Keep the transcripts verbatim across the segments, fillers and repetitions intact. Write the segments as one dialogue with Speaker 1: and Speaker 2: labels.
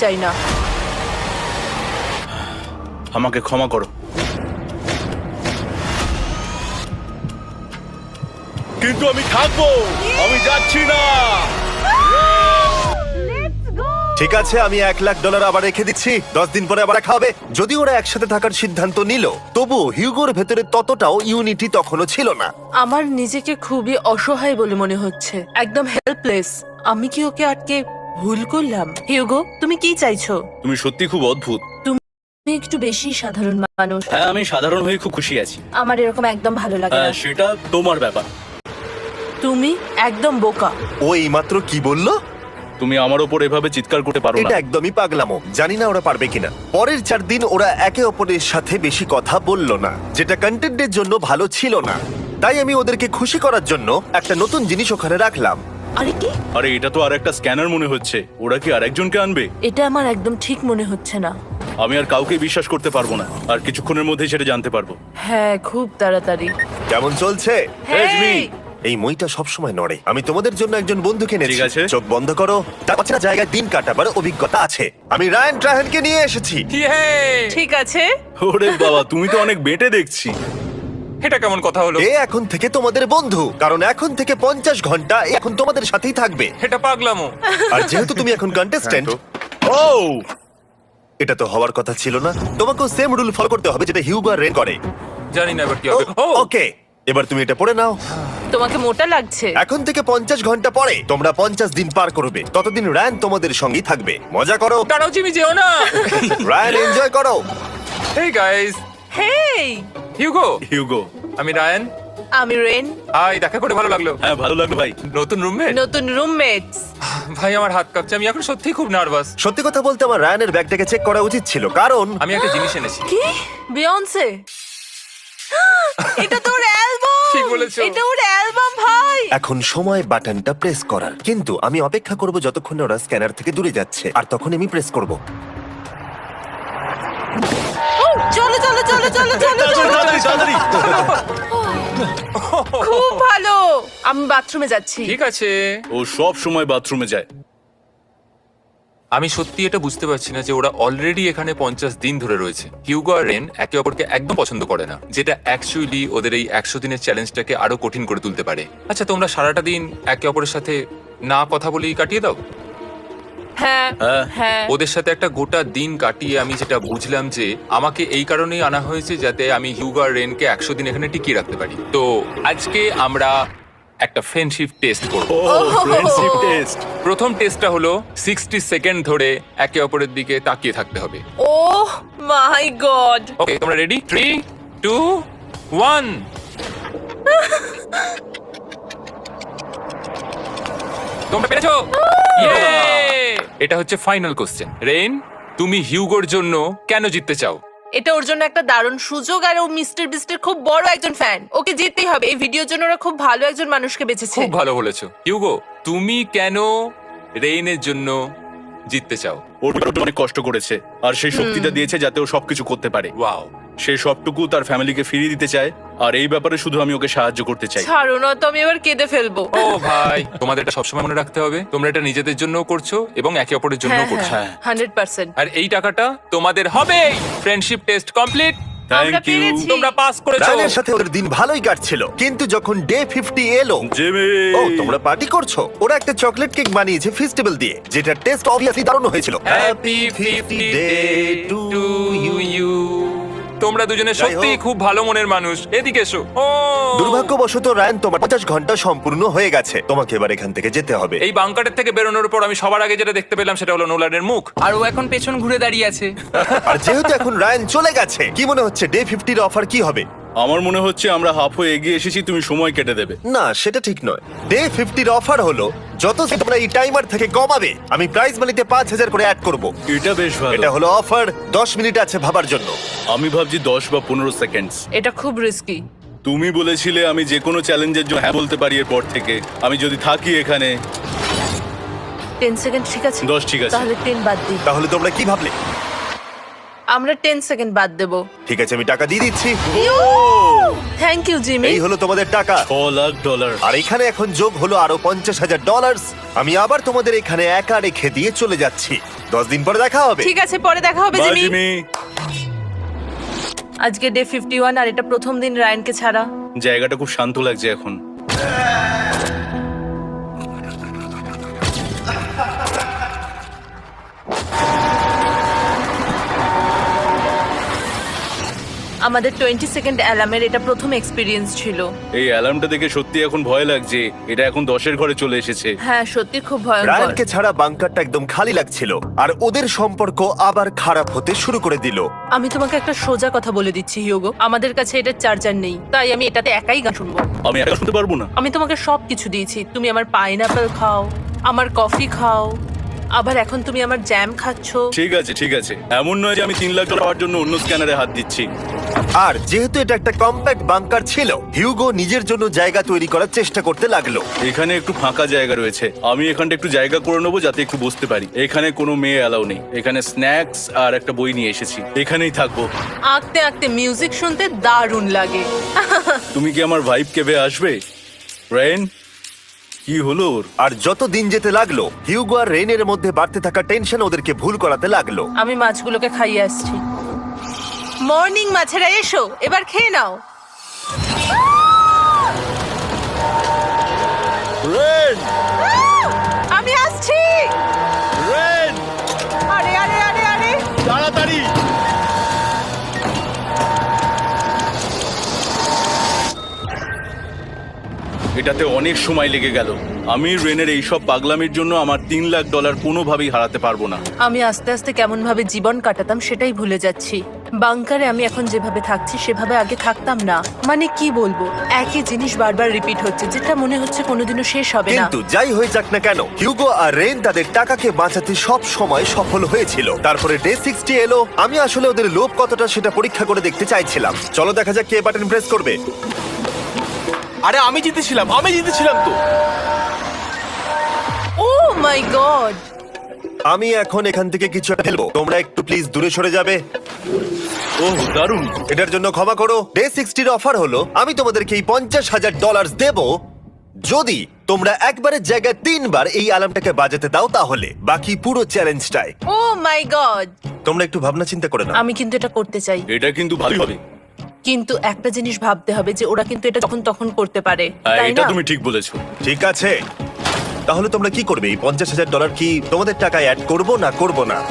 Speaker 1: চাই না।
Speaker 2: আমাকে ক্ষমা করো, কিন্তু আমি থাকবো, আমি যাচ্ছি না।
Speaker 3: ঠিক আছে, আমি এক লাখ ডলার আবার রেখে দিচ্ছি, দশ দিন পরে আবার খাবে। যদি ওরা একসাথে থাকার সিদ্ধান্ত নিল, তবু হিউগোর ভেতরে ততটাও ইউনিটি তখনও ছিল না।
Speaker 1: আমার নিজেকে খুবই অসহায় বলে মনে হচ্ছে, একদম হেল্পলেস। আমি কি ওকে আটকে ভুল করলাম? হিউগো, তুমি কি চাইছো?
Speaker 2: তুমি সত্যি খুব অদ্ভুত।
Speaker 1: তুমি একটু বেশি সাধারণ মানুষ।
Speaker 2: হ্যাঁ, আমি সাধারণ হয়ে খুব খুশি আছি।
Speaker 1: আমার এরকম একদম ভালো লাগে না।
Speaker 2: হ্যাঁ, সেটা তোমার ব্যাপার।
Speaker 1: তুমি একদম বোকা।
Speaker 3: ও এইমাত্র কি বললো?
Speaker 2: তুমি আমার ওপর এভাবে চিৎকার করতে পারো
Speaker 3: এটা
Speaker 2: না।
Speaker 3: একদমই পাগলামো। জানি না ওরা পারবে কিনা। পরের চার দিন ওরা একে অপরের সাথে বেশি কথা বলল না, যেটা কন্টেন্টের জন্য ভালো ছিল না। তাই আমি ওদেরকে খুশি করার জন্য একটা নতুন জিনিস ওখানে রাখলাম।
Speaker 1: আরে কি?
Speaker 2: আরে এটা তো আর একটা স্ক্যানার মনে হচ্ছে। ওরা কি আর একজনকে আনবে?
Speaker 1: এটা আমার একদম ঠিক মনে হচ্ছে না।
Speaker 2: আমি আর কাউকে বিশ্বাস করতে পারবো না, আর কিছুক্ষণের মধ্যেই সেটা জানতে পারবো।
Speaker 1: হ্যাঁ, খুব তাড়াতাড়ি।
Speaker 3: কেমন চলছে?
Speaker 2: রেজমি।
Speaker 3: এই মইটা সবসময় নড়ে। আমি তোমাদের জন্য একজন বন্ধুকে এনেছি।
Speaker 2: ঠিক আছে।
Speaker 3: চোখ বন্ধ করো। তার অচেনা জায়গায় দিন কাটাবার অভিজ্ঞতা আছে। আমি রায়ান ট্রাহেনকে নিয়ে এসেছি।
Speaker 1: ঠিক আছে।
Speaker 2: ওরে বাবা, তুমি তো অনেক বেটে দেখছি।
Speaker 4: এটা কেমন কথা হলো?
Speaker 3: এ এখন থেকে তোমাদের বন্ধু, কারণ এখন থেকে পঞ্চাশ ঘন্টা এ এখন তোমাদের সাথেই থাকবে।
Speaker 4: এটা পাগলামো।
Speaker 3: আর যেহেতু তুমি এখন কন্টেস্ট্যান্ট,
Speaker 2: ও
Speaker 3: এটা তো হওয়ার কথা ছিল না। তোমাকেও সেম রুল ফলো করতে হবে যেটা হিউগো আর রেন করে।
Speaker 4: জানি না এবার কি হবে। ও
Speaker 3: ওকে, এবার তুমি এটা পড়ে নাও।
Speaker 1: তোমাকে মোটা লাগছে।
Speaker 3: এখন থেকে পঞ্চাশ ঘন্টা পরে তোমরা পঞ্চাশ দিন পার করবে। ততদিন রায়ান তোমাদের সঙ্গেই থাকবে। মজা করো
Speaker 4: দাঁড়াও জিমি, যেও না।
Speaker 3: রায়ান, এনজয় করো।
Speaker 4: Hey guys,
Speaker 1: hey,
Speaker 4: Hugo.
Speaker 2: Hugo.
Speaker 4: আমি রায়ান।
Speaker 1: আমি রেন।
Speaker 4: হাই, দেখা করে ভালো লাগলো।
Speaker 2: হ্যাঁ, ভালো লাগলো ভাই।
Speaker 4: নতুন রুমমেট।
Speaker 1: নতুন রুমমেটস।
Speaker 4: ভাই আমার হাত কাঁপছে, আমি এখন সত্যিই খুব নার্ভাস।
Speaker 3: সত্যি কথা বলতে আমার রায়ানের ব্যাগটাকে চেক করা উচিত ছিল, কারণ
Speaker 4: আমি একটা জিনিস এনেছি।
Speaker 1: কি? বিয়ন্সে? এটা তোর অ্যালবাম।
Speaker 4: ঠিক বলেছো।
Speaker 1: এটা ওর অ্যালবাম ভাই।
Speaker 3: এখন সময় বাটনটা প্রেস করার। কিন্তু আমি অপেক্ষা করব যতক্ষণ না ওরা স্ক্যানার থেকে দূরে যাচ্ছে, আর তখন আমি প্রেস করব।
Speaker 1: ও, চলো চলো চলো চলো চলো চলো।
Speaker 2: তাড়াতাড়ি, তাড়াতাড়ি।
Speaker 1: খুব ভালো। আমি বাথরুমে যাচ্ছি।
Speaker 4: ঠিক আছে।
Speaker 2: ও সব সময় বাথরুমে যায়।
Speaker 4: আমি সত্যি এটা বুঝতে পারছি না যে ওরা অলরেডি এখানে পঞ্চাশ দিন ধরে রয়েছে। হিউগো আর রেন একে অপরকে একদম পছন্দ করে না, যেটা অ্যাকচুয়ালি ওদের এই একশো দিনের চ্যালেঞ্জটাকে আরো কঠিন করে তুলতে পারে। আচ্ছা, তোমরা সারাটা দিন একে অপরের সাথে না কথা বলেই কাটিয়ে দাও?
Speaker 1: হ্যাঁ
Speaker 2: হ্যাঁ।
Speaker 1: হ্যাঁ।
Speaker 4: ওদের সাথে একটা গোটা দিন কাটিয়ে আমি যেটা বুঝলাম যে আমাকে এই কারণেই আনা হয়েছে যাতে আমি হিউগো আর রেনকে একশো দিন এখানে টিকিয়ে রাখতে পারি। তো আজকে আমরা একটা ফ্রেন্ডশিপ টেস্ট করব।
Speaker 2: ও ফ্রেন্ডশিপ টেস্ট।
Speaker 4: প্রথম টেস্টটা হলো সিক্সটি সেকেন্ড ধরে একে অপরের দিকে তাকিয়ে থাকতে হবে।
Speaker 1: ওহ মাই গড।
Speaker 4: ওকে, তোমরা রেডি? Three two one. তোমরা পেরেছো। Yay! এটা হচ্ছে ফাইনাল কোশ্চেন। রেন, তুমি হিউগোর জন্য কেন জিততে চাও?
Speaker 1: এটা ওর জন্য একটা দারুণ সুযোগ, আর ও মিস্টার বিস্টের খুব বড় একজন ফ্যান। ওকে জিততেই হবে। এই ভিডিওর জন্য ওরা খুব ভালো একজন মানুষকে বেঁচেছে।
Speaker 4: খুব ভালো বলেছো। হিউগো, তুমি কেন রেইনের জন্য জিততে চাও?
Speaker 2: ওর উপর অনেক কষ্ট করেছে, আর সেই শক্তিটা দিয়েছে যাতে ও সবকিছু করতে পারে।
Speaker 4: ওয়াও।
Speaker 2: সে সবটুকু তার ফ্যামিলিকে ফিরিয়ে দিতে চায়, আর এই ব্যাপারে শুধু আমি ওকে সাহায্য করতে চাই।
Speaker 1: ছাড়ো না তো, আমি এবার কেঁদে ফেলবো।
Speaker 4: ও ভাই, তোমাদের এটা সবসময় মনে রাখতে হবে, তোমরা এটা নিজেদের জন্যও করছো এবং একে অপরের জন্যও করছো।
Speaker 2: হ্যাঁ।
Speaker 1: Hundred percent.
Speaker 4: আর এই টাকাটা তোমাদের হবেই। Friendship test complete.
Speaker 1: আমরা
Speaker 2: থ্যাংক ইউ
Speaker 1: পেরেছি।
Speaker 4: তোমরা পাস করেছো।
Speaker 3: রায়ানের সাথে ওদের দিন ভালোই কাটছিল, কিন্তু যখন ডে ফিফটি এলো,
Speaker 2: জিমি।
Speaker 3: ও তোমরা পার্টি করছো। ওরা একটা চকলেট কেক বানিয়েছে ফেস্টিভ্যাল দিয়ে, যেটা টেস্ট অবভিয়াসলি দারুণ হয়েছিল।
Speaker 4: Happy fifty day to you. তোমরা দুজনে
Speaker 3: যাই হোক।
Speaker 4: সত্যিই খুব ভালো মনের মানুষ। এদিকে এসো। ও
Speaker 3: দুর্ভাগ্যবশত রায়ান, তোমার পঞ্চাশ ঘন্টা সম্পূর্ণ হয়ে গেছে। তোমাকে এবার এখান থেকে যেতে হবে।
Speaker 4: এই বাংকারের থেকে বেরোনোর পর আমি সবার আগে যেটা দেখতে পেলাম সেটা হলো নোলানের মুখ।
Speaker 5: আর ও এখন পেছন ঘুরে দাঁড়িয়ে আছে।
Speaker 3: আর যেহেতু এখন রায়ান চলে গেছে, কি মনে হচ্ছে ডে ফিফটির অফার কি হবে?
Speaker 2: আমার মনে হচ্ছে আমরা হাফ হয়ে এগিয়ে এসেছি, তুমি সময় কেটে দেবে।
Speaker 3: না, সেটা ঠিক নয়। ডে ফিফটির অফার হলো যত তোমরা এই টাইমার থেকে কমাবে, আমি প্রাইজ মানিতে পাঁচ হাজার করে অ্যাড করব।
Speaker 2: এটা বেশ ভালো।
Speaker 3: এটা হলো অফার। দশ মিনিট আছে ভাবার জন্য।
Speaker 2: আমি ভাবছি দশ বা পনেরো সেকেন্ডস।
Speaker 1: এটা খুব রিস্কি।
Speaker 2: তুমি বলেছিলে আমি যে কোনো চ্যালেঞ্জের জন্য হ্যাঁ বলতে পারি এরপর থেকে। আমি যদি থাকি এখানে।
Speaker 1: টেন সেকেন্ড ঠিক আছে?
Speaker 2: দশ ঠিক আছে।
Speaker 1: তাহলে টেন বাদ দিই।
Speaker 3: তাহলে তোমরা কি ভাবলে?
Speaker 1: আমরা টেন সেকেন্ড বাদ দেবো।
Speaker 3: ঠিক আছে, আমি টাকা দিয়ে দিচ্ছি।
Speaker 1: Thank you Jimmy.
Speaker 3: এই হলো তোমাদের টাকা।
Speaker 2: ছ লাখ ডলার।
Speaker 3: আর এখানে এখন যোগ হলো আরো পঞ্চাশ হাজার ডলার। আমি আবার তোমাদের এখানে একা রেখে দিয়ে চলে যাচ্ছি। দশ দিন পরে দেখা হবে।
Speaker 1: ঠিক আছে, পরে দেখা হবে
Speaker 2: বাই
Speaker 1: জিমি।
Speaker 2: জিমি।
Speaker 1: আজকে ডে ফিফটি ওয়ান আর এটা প্রথম দিন রায়ানকে ছাড়া।
Speaker 2: জায়গাটা খুব শান্ত লাগছে এখন।
Speaker 1: আমাদের টোয়েন্টি সেকেন্ড অ্যালার্মের এটা প্রথম এক্সপিরিয়েন্স ছিল।
Speaker 2: এই অ্যালার্মটা দেখে সত্যি এখন ভয় লাগছে। এটা এখন দশের ঘরে চলে এসেছে।
Speaker 1: হ্যাঁ, সত্যি খুব ভয়ঙ্কর।
Speaker 3: রায়ানকে ছাড়া বাংকারটা একদম খালি লাগছিল আর ওদের সম্পর্ক আবার খারাপ হতে শুরু করে দিল।
Speaker 1: আমি তোমাকে একটা সোজা কথা বলে দিচ্ছি হিউগো, আমাদের কাছে এটার চার্জার নেই, তাই আমি এটাতে একাই গান শুনবো।
Speaker 2: আমি একা শুনতে পারবো না।
Speaker 1: আমি তোমাকে সব কিছু দিয়েছি, তুমি আমার পাইনাপেল খাও, আমার কফি খাও, আবার এখন তুমি আমার জ্যাম খাচ্ছো।
Speaker 2: ঠিক আছে ঠিক আছে, এমন নয় যে আমি তিন লাখ ডলার পাওয়ার জন্য অন্য স্ক্যানারে হাত দিচ্ছি।
Speaker 3: আর যেহেতু এটা একটা কম্প্যাক্ট বাংকার ছিল, হিউগো নিজের জন্য জায়গা তৈরি করার চেষ্টা করতে লাগলো।
Speaker 2: এখানে একটু ফাঁকা জায়গা রয়েছে, আমি এখানটা একটু জায়গা করে নেবো যাতে একটু বসতে পারি। এখানে কোনো মেয়ে অ্যালাউ নেই। এখানে স্ন্যাক্স আর একটা বই নিয়ে এসেছি, এখানেই থাকবো।
Speaker 1: আঁকতে আঁকতে মিউজিক শুনতে দারুণ লাগে।
Speaker 2: তুমি কি আমার ভাইব কেবে আসবে রেন? কি হলো ওর?
Speaker 3: আর যত দিন যেতে লাগলো, হিউগো আর রেনের মধ্যে বাড়তে থাকা টেনশন ওদেরকে ভুল করাতে লাগলো।
Speaker 1: আমি মাছগুলোকে খাইয়ে আসছি। মর্নিং মাছেরা, এসো এবার খেয়ে নাও।
Speaker 2: রেন!
Speaker 1: আমি আসছি।
Speaker 2: রেন!
Speaker 1: আরে আরে আরে আরে
Speaker 2: তাড়াতাড়ি! এটাতে অনেক সময় লেগে গেল। আমি রেনের এইসব পাগলামির জন্য আমার তিন লাখ ডলার কোনোভাবেই হারাতে পারবো না।
Speaker 1: আমি আস্তে আস্তে কেমন ভাবে জীবন কাটাতাম সেটাই ভুলে যাচ্ছি। বাংকারে আমি এখন যেভাবে থাকছি সেভাবে আগে থাকতাম না। মানে কি বলবো, একই জিনিস বারবার রিপিট হচ্ছে, যেটা মনে হচ্ছে কোনোদিনও শেষ হবে না।
Speaker 3: কিন্তু যাই হয়ে যাক না কেন, হিউগো আর রেন তাদের টাকাকে বাঁচাতে সব সময় সফল হয়েছিল। তারপরে ডে সিক্সটি এলো। আমি আসলে ওদের লোভ কতটা সেটা পরীক্ষা করে দেখতে চাইছিলাম। চলো দেখা যাক কে বাটন প্রেস করবে।
Speaker 6: আরে আমি জিতেছিলাম, আমি জিতেছিলাম তো।
Speaker 1: Oh my God!
Speaker 3: আমি এখন এখান থেকে কিছু একটা ফেলবো, তোমরা একটু প্লিজ দূরে সরে যাবে।
Speaker 2: ওহ দারুণ!
Speaker 3: এটার জন্য ক্ষমা করো। ডে সিক্সটির অফার হলো আমি তোমাদেরকে এই পঞ্চাশ হাজার ডলার দেব যদি তোমরা একবারের জায়গায় তিনবার এই অ্যালার্মটাকে বাজাতে দাও। তাহলে বাকি পুরো চ্যালেঞ্জটাই
Speaker 1: ও মাই গড!
Speaker 3: তোমরা একটু ভাবনা চিন্তা করে নাও।
Speaker 1: আমি কিন্তু এটা করতে চাই,
Speaker 2: এটা কিন্তু ভালোই হবে।
Speaker 1: কিন্তু একটা জিনিস ভাবতে হবে যে ওরা কিন্তু এটা যখন তখন করতে পারে,
Speaker 2: হ্যাঁ,
Speaker 1: তাই
Speaker 2: এটা
Speaker 1: না?
Speaker 2: তুমি ঠিক বলেছো।
Speaker 3: ঠিক আছে, তাহলে তোমরা কি করবে? এই পঞ্চাশ হাজার ডলার কি তোমাদের টাকায় অ্যাড করবো না করবো না?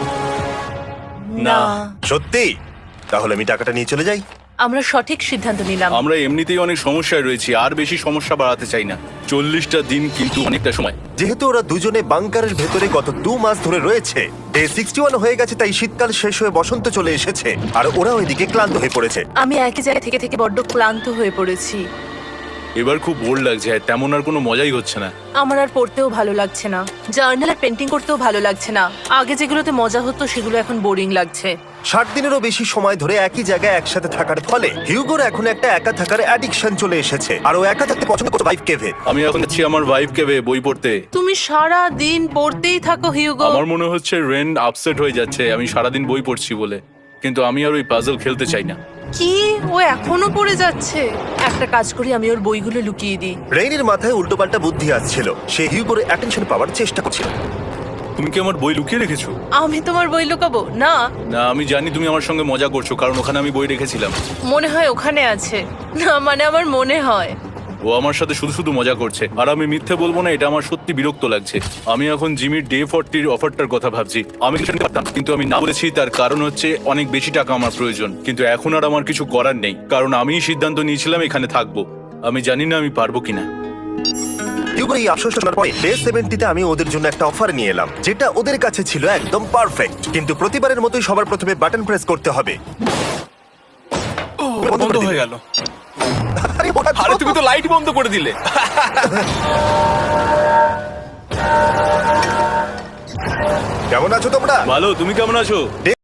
Speaker 1: না,
Speaker 3: সত্যি? তাহলে আমি টাকাটা নিয়ে চলে যাই।
Speaker 1: আমরা সঠিক সিদ্ধান্ত নিলাম।
Speaker 2: আমরা এমনিতেই অনেক সমস্যায় রয়েছি, আর বেশি সমস্যা বাড়াতে চাই না। চল্লিশটা দিন কিন্তু অনেকটা সময়।
Speaker 3: যেহেতু ওরা দুজনে বাংকারের ভেতরে গত দু মাস ধরে রয়েছে, ডে সিক্সটি ওয়ান হয়ে গেছে, তাই শীতকাল শেষ হয়ে বসন্ত চলে এসেছে আর ওরা ওইদিকে ক্লান্ত হয়ে পড়েছে।
Speaker 1: আমি একই জায়গা থেকে থেকে বড্ড ক্লান্ত হয়ে পড়েছি।
Speaker 2: এবার খুব বোর লাগছে, আর তেমন আর কোনো মজাই হচ্ছে না।
Speaker 1: আমার আর পড়তেও ভালো লাগছে না, জার্নাল আর পেন্টিং করতেও ভালো লাগছে না। আগে যেগুলোতে মজা হতো সেগুলো এখন বোরিং লাগছে।
Speaker 3: ষাট দিনেরও বেশি সময় ধরে একই জায়গায় একসাথে থাকার ফলে হিউগোর এখন একটা একা থাকার অ্যাডিকশন চলে এসেছে আর ও একা থাকতে পছন্দ করছে। ভাইফ কেভে
Speaker 2: আমি এখন যাচ্ছি আমার ওয়াইফকে বই পড়তে।
Speaker 1: তুমি সারা দিন পড়তেই থাকো হিউগো।
Speaker 2: আমার মনে হচ্ছে রেন আপসেট হয়ে যাচ্ছে আমি সারাদিন বই পড়ছি বলে, কিন্তু আমি আর ওই পাজল খেলতে চাই না।
Speaker 1: কি, ও এখনো পড়ে যাচ্ছে? একটা কাজ করি, আমি ওর বইগুলো লুকিয়ে দিই।
Speaker 3: রেইনের মাথায় উল্টোপাল্টা বুদ্ধি আসছিল। সে হিউগোর অ্যাটেনশন পাওয়ার চেষ্টা করছিল।
Speaker 2: তুমি কি আমার বই লুকিয়ে রেখেছো?
Speaker 1: আমি তোমার বই লুকাবো না?
Speaker 2: না, আমি জানি তুমি আমার সঙ্গে মজা করছো, কারণ ওখানে আমি বই রেখেছিলাম।
Speaker 1: মনে হয় ওখানে আছে। না মানে আমার মনে হয়।
Speaker 2: ও আমার সাথে শুধু শুধু মজা করছে, আর আমি মিথ্যে বলবো না, এটা আমার সত্যি বিরক্ত লাগছে। আমি এখন জিমির ডে ফর্টির অফারটার কথা ভাবছি। আমি কিছু পারতাম, কিন্তু আমি না বলেছি, তার কারণ হচ্ছে অনেক বেশি টাকা আমার প্রয়োজন। কিন্তু এখন আর আমার কিছু করার নেই, কারণ আমিই সিদ্ধান্ত নিয়েছিলাম এখানে থাকবো। আমি জানি না আমি পারবো কিনা।
Speaker 3: হিউগোর এই আফসোস শোনার পরে ডে সেভেন্টিতে আমি ওদের জন্য একটা অফার নিয়ে এলাম, যেটা ওদের কাছে ছিল একদম পারফেক্ট। কিন্তু প্রতিবারের মতোই সবার প্রথমে বাটন প্রেস করতে হবে।
Speaker 6: বন্ধ হয়ে গেল।
Speaker 3: আরে ওটা
Speaker 6: আরে তুমি তো লাইট বন্ধ করে দিলে।
Speaker 3: কেমন আছো তোমরা?
Speaker 2: ভালো, তুমি কেমন আছো?
Speaker 3: ডে